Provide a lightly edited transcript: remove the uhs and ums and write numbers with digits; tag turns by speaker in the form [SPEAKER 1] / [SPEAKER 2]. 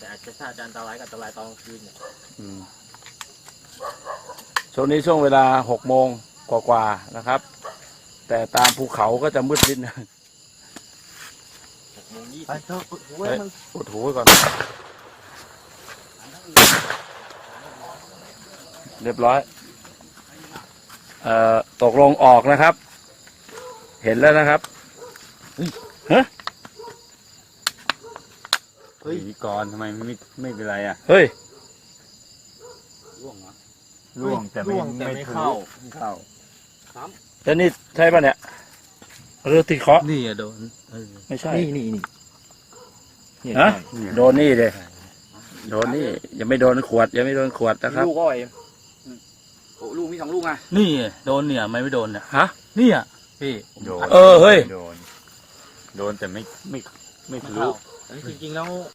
[SPEAKER 1] อาจจะถ้าจะอันตรายก็อันตรายตอนกลางคืนเนี่ย
[SPEAKER 2] ช่วงนี้ช่วงเวลา6 โมงกว่าๆนะครับ แต่ตามภูเขาก็จะมืดนิดนึง
[SPEAKER 1] 6:20
[SPEAKER 3] ไปเถอะเว้ย
[SPEAKER 2] เฮ้ย
[SPEAKER 3] มึง
[SPEAKER 2] อุดหูไว้ก่อน เรียบร้อยตกลงออกนะครับ เห็นแล้วนะครับฮะ
[SPEAKER 3] เฮ้ยก่อนทำไมไม่เป็นไรอ่ะ
[SPEAKER 2] เฮ้ย
[SPEAKER 1] ร่วงเหรอ
[SPEAKER 3] ร่วงแต่ไม่เข้า
[SPEAKER 2] แล้วนี่ใช่ป่ะเนี่ยเรือตีเคาะ
[SPEAKER 3] นี่อะโดน
[SPEAKER 2] ไม่ใช่
[SPEAKER 3] นี่
[SPEAKER 2] ฮะโดนนี่เลยโดนนี่ยังไม่โดนขวดยังไม่โดนขวดนะครับ
[SPEAKER 1] ลูกก็ไอ้โอ้ลูกมี2 ลูกอ่ะ
[SPEAKER 3] นี่โดนเนี่ยไม่โดนเนี่ย
[SPEAKER 2] ฮะ
[SPEAKER 3] นี่อ่ะพี่
[SPEAKER 2] เออเฮ้ย
[SPEAKER 4] โดนแต่ไม่ทะลุ
[SPEAKER 1] จริงๆแล้ว